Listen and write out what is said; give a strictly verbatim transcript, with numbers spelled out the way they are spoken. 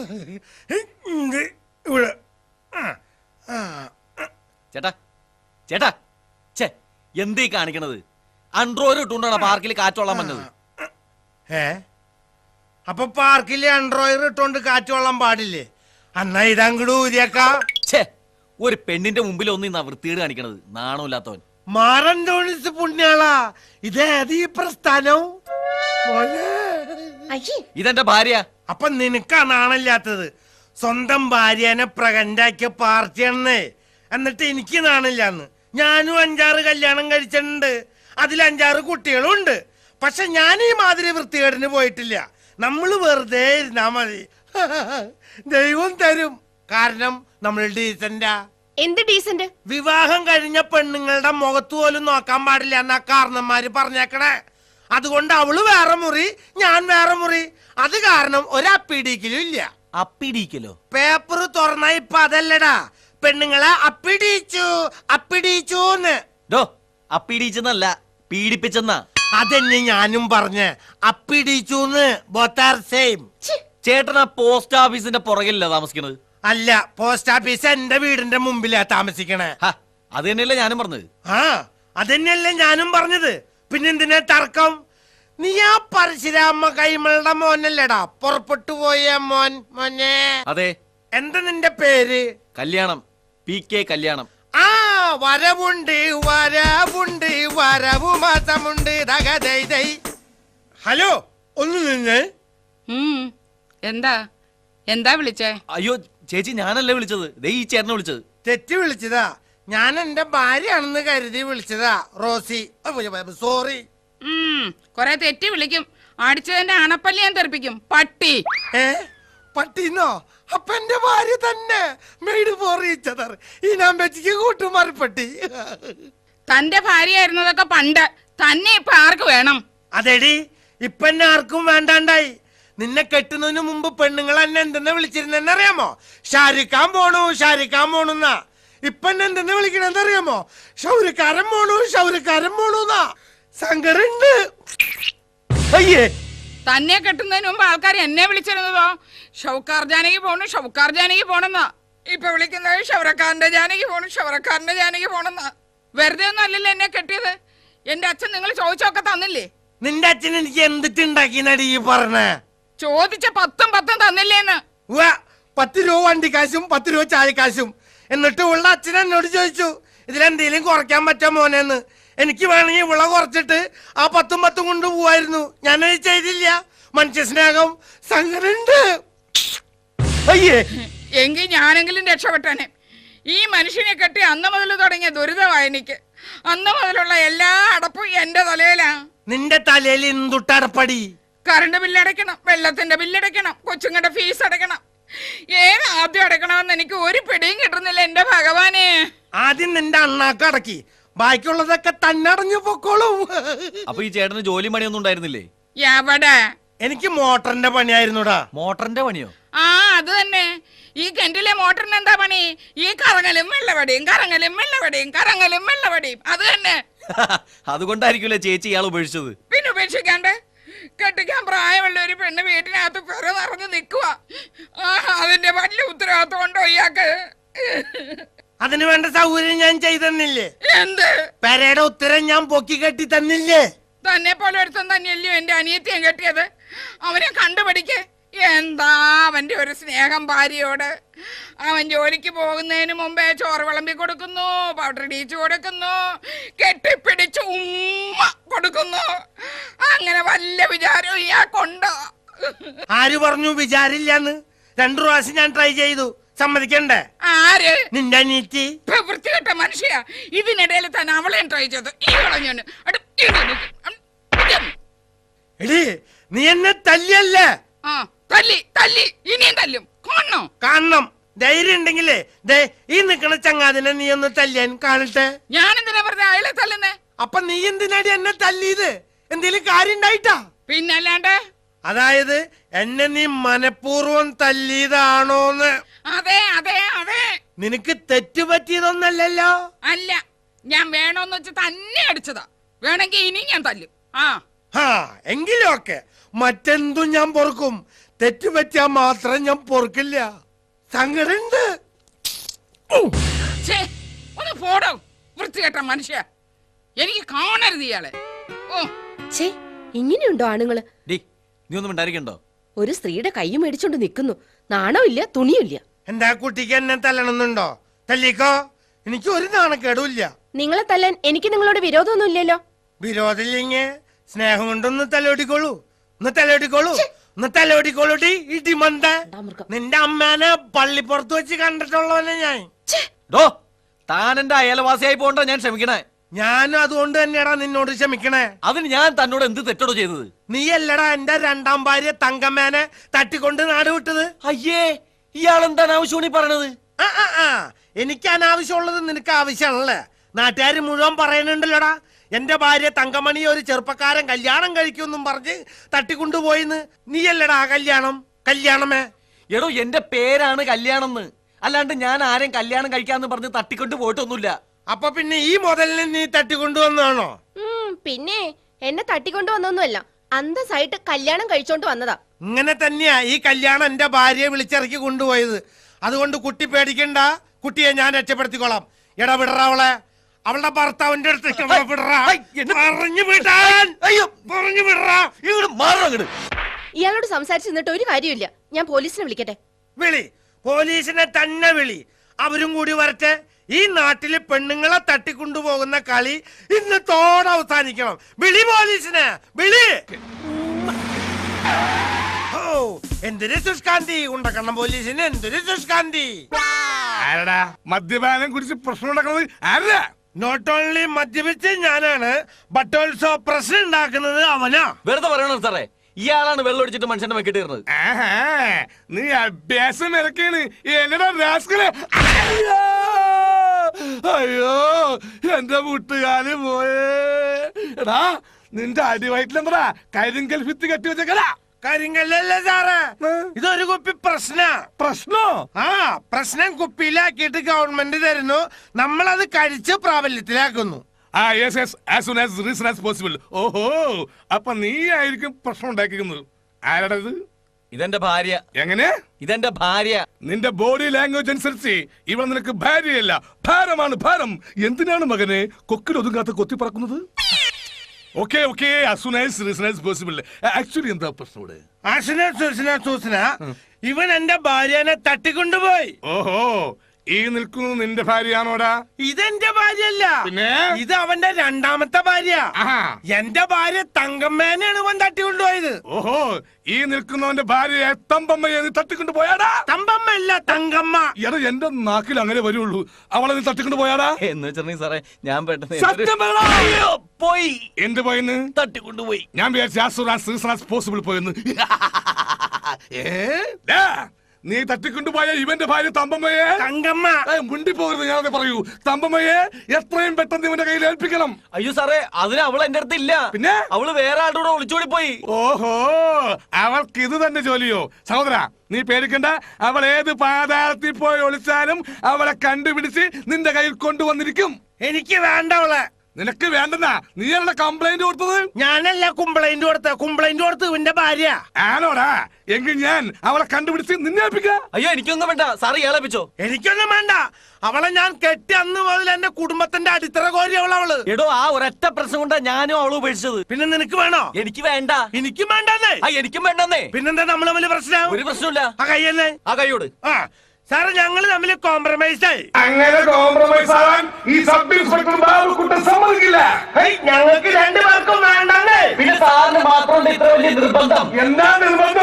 ചേട്ടാ ചേട്ടാ ചേ എന്തീ കാണിക്കണത്? അൺട്രോയിൽ ഇട്ടുകൊണ്ടാണ് പാർക്കിൽ കാറ്റോളാൻ വന്നത്. ഏ അപ്പൊ പാർക്കില് അൺട്രോയിൽ ഇട്ടോണ്ട് കാറ്റോളാൻ പാടില്ലേ? അന്നാ ഇതങ്ങട് ഊരിയേക്കാ. ഛേ, ഒരു പെണ്ണിന്റെ മുമ്പിൽ ഒന്നും ഇന്നാ വൃത്തികേട് കാണിക്കണത്. നാണമില്ലാത്തവൻ. മാറന്തോണിസ് പുണ്യാളാ, ഇതേത് ഈ പ്രസ്ഥാനം? ഇതെന്റെ ഭാര്യ. അപ്പൊ നിനക്കാ നാണില്ലാത്തത്? സ്വന്തം ഭാര്യനെ പ്രകണ്ടാക്കിയ പാർട്ടിയാണെന്നേ. എന്നിട്ട് എനിക്ക് നാണില്ലാന്ന്. ഞാനും അഞ്ചാറ് കല്യാണം കഴിച്ചിട്ടുണ്ട്, അതിൽ അഞ്ചാറ് കുട്ടികളും ഉണ്ട്. പക്ഷെ ഞാൻ ഈ മാതിരി വൃത്തികേടിന് പോയിട്ടില്ല. നമ്മള് വെറുതെ ഇരുന്നാ മതി, ദൈവം തരും. കാരണം നമ്മൾ ഡീസന്റാ. എന്ത് ഡീസന്റ്? വിവാഹം കഴിഞ്ഞ പെണ്ണുങ്ങളുടെ മുഖത്ത് പോലും നോക്കാൻ പാടില്ല എന്നാ കാരണന്മാര് പറഞ്ഞേക്കണേ. അതുകൊണ്ട് അവള് വേറെ മുറി, ഞാൻ വേറെ മുറി. അത് കാരണം ഒരപ്പിടിക്കലും ഇല്ല. അപ്പിടിക്കലോ? പേപ്പർ തുറന്ന ഇപ്പൊ അതല്ലടാ, പെണ്ണുങ്ങളെ അപ്പിടിച്ചു അപ്പിടിച്ചൂന്ന്. അപ്പിടിച്ചെന്നല്ല, പീഡിപ്പിച്ചെന്നാ. അതെന്നെ ഞാനും പറഞ്ഞ്, അപ്പിടിച്ചൂന്ന്. Both are same. ചേട്ടനാ പോസ്റ്റ് ഓഫീസിന്റെ പുറകിലല്ല താമസിക്കണത്? അല്ല, പോസ്റ്റ് ഓഫീസ് എന്റെ വീടിന്റെ മുമ്പിലാ താമസിക്കണേ. അത് തന്നെയല്ലേ ഞാനും പറഞ്ഞത്. ആ അതന്നെയല്ലേ ഞാനും പറഞ്ഞത്. പിന്നെന്തിനാ തർക്കം? നീ ആ പരശുരാമ കൈമളുടെ മോനല്ലേടാ പുറപ്പെട്ടു പോയ മോൻ? മോനെ. അതെ. എന്താ നിന്റെ പേര്? കല്യാണം. പി കെ കല്യാണം. ആ വരവുണ്ട് വരവുണ്ട് വരവു മാസമുണ്ട്. ഹലോ, ഒന്ന് നിന്ന്. എന്താ എന്താ വിളിച്ചേ? അയ്യോ ചേച്ചി, ഞാനല്ലേ വിളിച്ചത്, ദേ ഈ ചേട്ടനെ വിളിച്ചത്. തെറ്റി വിളിച്ചതാ. ഞാൻ എന്റെ ഭാര്യയാണെന്ന് കരുതി വിളിച്ചതാ, റോസി. സോറി. കൊറേ തെറ്റി വിളിക്കും. അടിച്ചതിന്റെ അണപ്പല്ലി ഞാൻ തെറിപ്പിക്കും, പട്ടി. ഏ പട്ടിന്നോ? അപ്പൊ എന്റെ ഭാര്യ തന്നെ. Made for each other. ഈ നമ്പച്ചിക്ക് കൂട്ടുമാറിപ്പട്ടി. തന്റെ ഭാര്യയായിരുന്നതൊക്കെ പണ്ട്, തന്നെ ഇപ്പൊ ആർക്ക് വേണം? അതെടി, ഇപ്പൊ എന്നെ ആർക്കും വേണ്ടാണ്ടായി. നിന്നെ കെട്ടുന്നതിന് മുമ്പ് പെണ്ണുങ്ങൾ എന്നെ എന്തെന്ന് വിളിച്ചിരുന്നെന്ന് അറിയാമോ? ഷാരിക്കാൻ പോണു ഷാരിക്കാൻ പോണുന്നാ. ഇപ്പൊ എന്നെ എന്തെന്ന് വിളിക്കണെന്ന് അറിയാമോ? ഷൗരിക്കാരൻ പോണു ഷൗരിക്കാരൻ പോണുന്നാ. സങ്കടുണ്ട്. അയ്യേ, തന്നെ കെട്ടുന്നതിന് മുമ്പ് ആൾക്കാർ എന്നെ വിളിച്ചിരുന്നതോ ഷൗക്കാർ ജാനകി പോണു ഷൗക്കാർ ജാനകി പോണെന്നാ. ഇപ്പൊ വിളിക്കുന്നത് ഷൗറക്കാരന്റെ ജാനകി പോണു ഷൗറക്കാരന്റെ ജാനകി പോണെന്നാ. വെറുതെ ഒന്നും അല്ലല്ലോ എന്നെ കെട്ടിയത്. എന്റെ അച്ഛൻ നിങ്ങൾ ചോദിച്ചൊക്കെ തന്നില്ലേ? നിന്റെ അച്ഛൻ എനിക്ക് എന്തിട്ടുണ്ടാക്കി നടി പറഞ്ഞേ? ചോദിച്ച പത്തും പത്തും തന്നില്ലേന്ന്. പത്ത് രൂപ വണ്ടിക്കാശും പത്ത് രൂപ ചായക്കാശും. എന്നിട്ട് ഉള്ള അച്ഛൻ എന്നോട് ചോദിച്ചു, ഇതിലെന്തേലും കുറയ്ക്കാൻ പറ്റാ മോനെന്ന്. എനിക്ക് വേണമെങ്കിൽ വിള കുറച്ചിട്ട് ആ പത്തും പത്തും കൊണ്ട് പോവായിരുന്നു. ഞാനത് ചെയ്തില്ല. മനുഷ്യ സ്നേഹം. സങ്കടുണ്ട്. അയ്യേ, എങ്കിൽ ഞാനെങ്കിലും രക്ഷപ്പെട്ടനെ. ഈ മനുഷ്യനെ കെട്ടി അന്ന് മുതൽ തുടങ്ങിയ ദുരിതമായി എനിക്ക്. അന്ന് മുതലുള്ള എല്ലാ അടപ്പും എന്റെ തലയിലാ. നിന്റെ തലയിൽ എന്തുട്ടടപ്പടി? കറണ്ട് ബില്ലടയ്ക്കണം, വെള്ളത്തിന്റെ ബില്ലടയ്ക്കണം, കൊച്ചുങ്ങളുടെ ഫീസ് അടയ്ക്കണം. ഏത് ആദ്യം അടയ്ക്കണമെന്ന് എനിക്ക് ഒരു പിടിയും കിട്ടുന്നില്ല എന്റെ ഭഗവാനെ. ആദ്യം നിന്റെ അണ്ണാക്ക് അടക്കി, ബാക്കിയുള്ളതൊക്കെ തന്നെ അടഞ്ഞു പൊക്കോളും. അപ്പൊ ഈ ചേട്ടന് ജോലി പണിയൊന്നും ഉണ്ടായിരുന്നില്ലേ? എവിടെ? എനിക്ക് മോട്ടറിന്റെ പണിയായിരുന്നുടാ. മോട്ടറിന്റെ പണിയോ? ആ അത് തന്നെ. ഈ കിണറ്റിലെ മോട്ടറിന് എന്താ പണി? ഈ കറങ്ങലും വെള്ളവടിയും കറങ്ങലും വെള്ളവടിയും കറങ്ങലും വെള്ളവടിയും. അത് തന്നെ. അതുകൊണ്ടായിരിക്കുമല്ലേ ചേച്ചി ഇയാൾ ഉപേക്ഷിച്ചത്? പിന്നെ ഉപേക്ഷിക്കാണ്ട്? കെട്ടിക്കാൻ പ്രായമുള്ള ഒരു പെണ്ണ് വീട്ടിനകത്ത് പെറ നിറഞ്ഞു നിൽക്കുക. ആ അതിന്റെ വലിയ ഉത്തരവാദിത്വം ഉണ്ടോ ഇയാൾക്ക്? അതിന് വേണ്ട സൗകര്യം ഞാൻ ചെയ്തെന്നില്ലേ? എന്ത്? പെരയുടെ ഉത്തരം ഞാൻ പൊക്കി കെട്ടി തന്നില്ലേ? തന്നെ പോലെ ഒരുത്തൻ തന്നെയല്ലയോ എന്റെ അനിയത്തിയും കെട്ടിയത്. അവനെ കണ്ടുപിടിക്കേ. എന്താ അവന്റെ ഒരു സ്നേഹം ഭാര്യയോട്. അവൻ ജോലിക്ക് പോകുന്നതിന് മുമ്പേ ചോറ് വിളമ്പി കൊടുക്കുന്നു, പൗഡർ ഇടിച്ചു കൊടുക്കുന്നു, കെട്ടിപ്പിടിച്ച് ഉമ്മ കൊടുക്കുന്നു. അങ്ങനെ വല്ല വിചാരവും ഇയാൾക്കുണ്ടോ? ആര് പറഞ്ഞു വിചാരില്ലാന്ന്? രണ്ടു പ്രാവശ്യം ഞാൻ ട്രൈ ചെയ്തു. സമ്മതിക്കണ്ടേ? ആര്? നിന്റെ അനിയത്തി. വൃത്തികെട്ട മനുഷ്യ. ഇതിനിടയിൽ തന്നെ അവളെയും ട്രൈ ചെയ്തു. ഈ കളഞ്ഞു. എടി, നീ എന്നെ തല്ലിയല്ലേ? ആ തല്ലി തല്ലി ഇനിയും തല്ലും. കാണണോ? കാണണം. ധൈര്യം ഉണ്ടെങ്കിലേ ദേ ഈ നിക്കണ ചങ്ങാതിനെ നീ ഒന്ന് തല്ലിയാൻ കാണട്ടെ. ഞാൻ എന്തിനാ പറഞ്ഞ അയാളെ തല്ലുന്നേ? അപ്പൊ നീ എന്തിനാടി എന്നെ തല്ലിയത്? എന്തേലും കാര്യം ഉണ്ടായിട്ടാ? പിന്നല്ലാണ്ട്. അതായത് എന്നെ നീ മനഃപൂർവ്വം തല്ലിയതാണോന്ന്? അതെ അതെ അതെ. നിനക്ക് തെറ്റുപറ്റിയതൊന്നല്ലല്ലോ? അല്ല, ഞാൻ വേണോന്ന് വെച്ച് തന്നെ അടിച്ചതാ. വേണമെങ്കിൽ ഇനി ഞാൻ തല്ലും. ആ ആ എങ്കിലും ഒക്കെ മറ്റെന്തും ഞാൻ പൊറുക്കും. തെറ്റുപറ്റിയാ മാത്രം ഞാൻ പൊറുക്കില്ല. സങ്കടുണ്ട്. ഛേ, ഒന്ന് പോടോ വൃത്തികെട്ട മനുഷ്യ. എനിക്ക് കാണരുത് ഇയാളെ. ഓ ഛേ, ഇങ്ങനെയുണ്ടോ ആണുങ്ങള്? ഡി നീ ഒന്നും ഉണ്ടായിരിക്കണ്ടോ? ഒരു സ്ത്രീയുടെ കൈ മേടിച്ചോണ്ട് നിൽക്കുന്നു. നാണമില്ല, തുണിയില്ല. എന്താ കുട്ടിക്ക് എന്നെ തല്ലണമെന്നുണ്ടോ? തല്ലിക്കോ, എനിക്ക് ഒരു നാണക്കേടുമില്ല. നിങ്ങളെ തല്ലാൻ എനിക്ക് നിങ്ങളോട് വിരോധമൊന്നും ഇല്ലല്ലോ. വിരോധമില്ലെങ്കിൽ സ്നേഹം കൊണ്ടൊന്ന് തലോടിക്കോളൂ. ഒന്ന് തലോടിക്കോളൂ, ഒന്ന് തലോടിക്കോളൂടി. ഇടിമന്ത നിന്റെ അമ്മേനെ പള്ളിപ്പുറത്ത് വെച്ച് കണ്ടിട്ടുള്ളവനെ ഞാൻ. ഡോ താൻ എന്റെ അയൽവാസിയായി പോകണ്ടോ ഞാൻ ക്ഷമിക്കണേ. ഞാനും അതുകൊണ്ട് തന്നെയാടാ നിന്നോട് ക്ഷമിക്കണേ. അതിന് ഞാൻ തന്നോട് എന്ത് തെറ്റോടോ ചെയ്തത്? നീ അല്ലടാ എന്റെ രണ്ടാം ഭാര്യ തങ്കമ്മേനെ തട്ടിക്കൊണ്ട് നാട് വിട്ടത്. അയ്യേ, ഇയാൾ എന്താണ് ആവശ്യമാണ് ഈ പറയണത്? ആ ആ ആ എനിക്ക് അനാവശ്യമുള്ളത് നിനക്ക് ആവശ്യമാണല്ലേ? നാട്ടുകാർ മുഴുവൻ പറയുന്നുണ്ടല്ലോടാ എന്റെ ഭാര്യ തങ്കമണി ഒരു ചെറുപ്പക്കാരൻ കല്യാണം കഴിക്കുമെന്നും പറഞ്ഞ് തട്ടിക്കൊണ്ടുപോയിന്ന്. നീയല്ലടാ ആ കല്യാണം കല്യാണമേ. എടോ എന്റെ പേരാണ് കല്യാണം എന്ന്, അല്ലാണ്ട് ഞാൻ ആരെയും കല്യാണം കഴിക്കാന്ന് പറഞ്ഞ് തട്ടിക്കൊണ്ട് പോയിട്ടൊന്നുമില്ല. അപ്പൊ പിന്നെ ഈ മുതലിനെ നീ തട്ടിക്കൊണ്ടുവന്നാണോ? പിന്നെ എന്നെ തട്ടിക്കൊണ്ടു വന്നൊന്നുമല്ല, അന്തസ്സായിട്ട് കല്യാണം കഴിച്ചോണ്ട് വന്നതാ. ഇങ്ങനെ തന്നെയാ ഈ കല്യാണം എന്റെ ഭാര്യയെ വിളിച്ചിറക്കി കൊണ്ടുപോയത്. അതുകൊണ്ട് കുട്ടി പേടിക്കണ്ട, കുട്ടിയെ ഞാൻ രക്ഷപ്പെടുത്തിക്കോളാം. എടാ വിടറ അവളെ, അവളുടെ ഭർത്താവിന്റെ അടുത്ത് പറഞ്ഞു വിടാൻ. അയ്യോ പറഞ്ഞു വിടറാ. ഇയാളോട് സംസാരിച്ചു നിന്നിട്ട് ഒരു കാര്യമില്ല. ഞാൻ പോലീസിനെ വിളിക്കട്ടെ? വിളി, പോലീസിനെ തന്നെ വിളി. അവരും കൂടി വരട്ടെ. ഈ നാട്ടില് പെണ്ണുങ്ങളെ തട്ടിക്കൊണ്ടുപോകുന്ന കളി ഇന്ന് തോടെ അവസാനിക്കണം. വിളി പോലീസിനെ, വിളി. ഓ എന്തൊരു സുഷ്കാന്തി ഉണ്ടക്കണം പോലീസിന്, എന്തൊരു സുഷ്കാന്തി. ആരടാ മദ്യപാനം കുറിച്ച് പ്രശ്നം ഉണ്ടാക്കുന്നത്? ആരാ? നോട്ട് ഓൺലി മദ്യപിച്ച് ഞാനാണ്, ബട്ട് ഓൾസോ പ്രശ്നം ഉണ്ടാക്കുന്നത് അവനാ. വെറുതെ പറയണോ സാറേ, ഇയാളാണ് വെള്ളം ഒടിച്ചിട്ട് മനുഷ്യന്റെ വെക്കിട്ട് കയറുന്നത്. നീ അഭ്യാസം ഇറക്കാണ് എന്നടാ രാസ്കലെ. അയ്യോ എന്റെ വീട്ടുകാര് പോയേ. എടാ നിന്റെ അടിവയറ്റിലെന്താ കരിങ്കൽ ഭിത്തി കെട്ടി വെച്ചേക്കടാ? കാര്യങ്ങളല്ലേ സാറേ, ഇതൊരു കുപ്പി പ്രശ്ന. പ്രശ്നോ? ആ പ്രശ്നം കുപ്പിയിലാക്കിയിട്ട് ഗവൺമെന്റ് തരുന്നു, നമ്മളത് കഴിച്ച് പ്രാബല്യത്തിലാക്കുന്നു. ആ yes yes as soon as reason as possible. ഓഹോ, അപ്പൊ നീ ആയിരിക്കും പ്രശ്നം ഉണ്ടാക്കിക്കുന്നത്. ആരാടാ ഇത്? ഇതെന്റെ ഭാര്യ. എങ്ങനെ? ഇതെന്റെ ഭാര്യ. നിന്റെ ബോഡി ലാംഗ്വേജ് അനുസരിച്ച് ഇവിടെ നിനക്ക് ഭാര്യയല്ല, ഭാരമാണ് ഭാരം. എന്തിനാണ് മകനെ കൊക്കിൽ ഒതുങ്ങാത്ത കൊത്തി പറക്കുന്നത്? ഓക്കെ ഓക്കെ ആക്ച്വലി എന്താ പ്രശ്നം? ഇവൻ എന്റെ ഭാര്യനെ തട്ടിക്കൊണ്ടുപോയി. ഓഹോ, ഈ നിൽക്കുന്നത് നിന്റെ ഭാര്യയാണോടാ? ഇതെന്റെ ഭാര്യയല്ല, പിന്നെ ഇത് അവന്റെ രണ്ടാമത്തെ ഭാര്യ. എന്റെ ഭാര്യ തങ്കമ്മേനെയാണ് ഇവൻ തട്ടിക്കൊണ്ടുപോയത്. ഓഹോ, ഈ നിൽക്കുന്നവന്റെ ഭാര്യയെ തമ്പമ്മയെ നീ തട്ടിക്കൊണ്ടു പോയാടാ? തമ്പമ്മ അല്ല, തങ്കമ്മ. എടാ എന്റെ നാക്കിൽ അങ്ങനെ വരുള്ളൂ. അവളെ നീ തട്ടിക്കൊണ്ടു പോയാടാ? എന്ന് വെച്ചിട്ടുണ്ടെങ്കിൽ സാറേ ഞാൻ പെട്ടെന്ന് പോയി. എന്ത് പോയിന്ന്? തട്ടിക്കൊണ്ടുപോയി. ഞാൻ വിചാരിച്ചു പോസിബിൾ പോയെന്ന്. നീ തട്ടിക്കൊണ്ടുപോയ ഇവന്റെ ഭാര്യ തമ്പമ്മയെ തങ്കമ്മ മുണ്ടി പോകരുത്. ഞാനത് പറയൂ, തമ്പമ്മയെ എത്രയും പെട്ടെന്ന് ഇവന്റെ കയ്യിൽ ഏൽപ്പിക്കണം. അയ്യോ സാറേ, അതിന് അവൾ എന്റെ അടുത്ത് ഇല്ല. പിന്നെ അവള് വേറെ ആളുടെ കൂടെ ഒളിച്ചോടി പോയി. ഓഹോ, അവൾക്ക് ഇത് തന്നെ ജോലിയോ? സഹോദര നീ പേടിക്കണ്ട, അവൾ ഏത് പാതാളത്തിൽ പോയി ഒളിച്ചാലും അവളെ കണ്ടുപിടിച്ച് നിന്റെ കയ്യിൽ കൊണ്ടുവന്നിരിക്കും. എനിക്ക് വേണ്ട അവളെ. നിനക്ക് വേണ്ടെന്നാ നീയല്ലേ കംപ്ലൈന്റ് കൊടുത്തത്? ഞാനല്ല കംപ്ലൈന്റ് കൊടുത്ത, കംപ്ലൈന്റ് കൊടുത്ത് ഇവന്റെ ഭാര്യ. ആണോടാ? എങ്കിൽ ഞാൻ അവളെ കണ്ടുപിടിച്ച് നിന്നെ ഏൽപ്പിക്കാം. അയ്യോ എനിക്കൊന്നും വേണ്ട സാറ് ഇയാളേപ്പിച്ചോ. എനിക്കൊന്നും വേണ്ട. അവളെ ഞാൻ കെട്ടി അന്ന് മുതൽ എന്റെ കുടുംബത്തിന്റെ അടിത്തറ കോരി അവൾ അവള്. എടോ ആ ഒരൊറ്റ പ്രശ്നം കൊണ്ടാ ഞാനും അവള് ഉപേക്ഷിച്ചത്. പിന്നെ നിനക്ക് വേണോ? എനിക്ക് വേണ്ട. എനിക്കും വേണ്ടെന്നേ. ആ എനിക്കും വേണ്ടെന്നേ. പിന്നെന്താ നമ്മൾ തമ്മിൽ പ്രശ്നം? ഒരു പ്രശ്നമില്ല. ആ കയ്യല്ലേ? ആ കൈയോട്. ആ സാറ് ഞങ്ങള് തമ്മിൽ കോംപ്രമൈസ് ആയി. അങ്ങനെ കോംപ്രമൈസ് ആവാൻ ഈ സബ് ഇൻസ്പെക്ടർ ബാബുക്കുട്ടൻ സമ്മതിക്കില്ല. ഞങ്ങൾക്ക് രണ്ടുപേർക്കും വേണ്ടെന്നേ. പിന്നെ സാറിന് മാത്രം ഇത്ര വലിയ നിർബന്ധം? എന്താ നിർബന്ധം?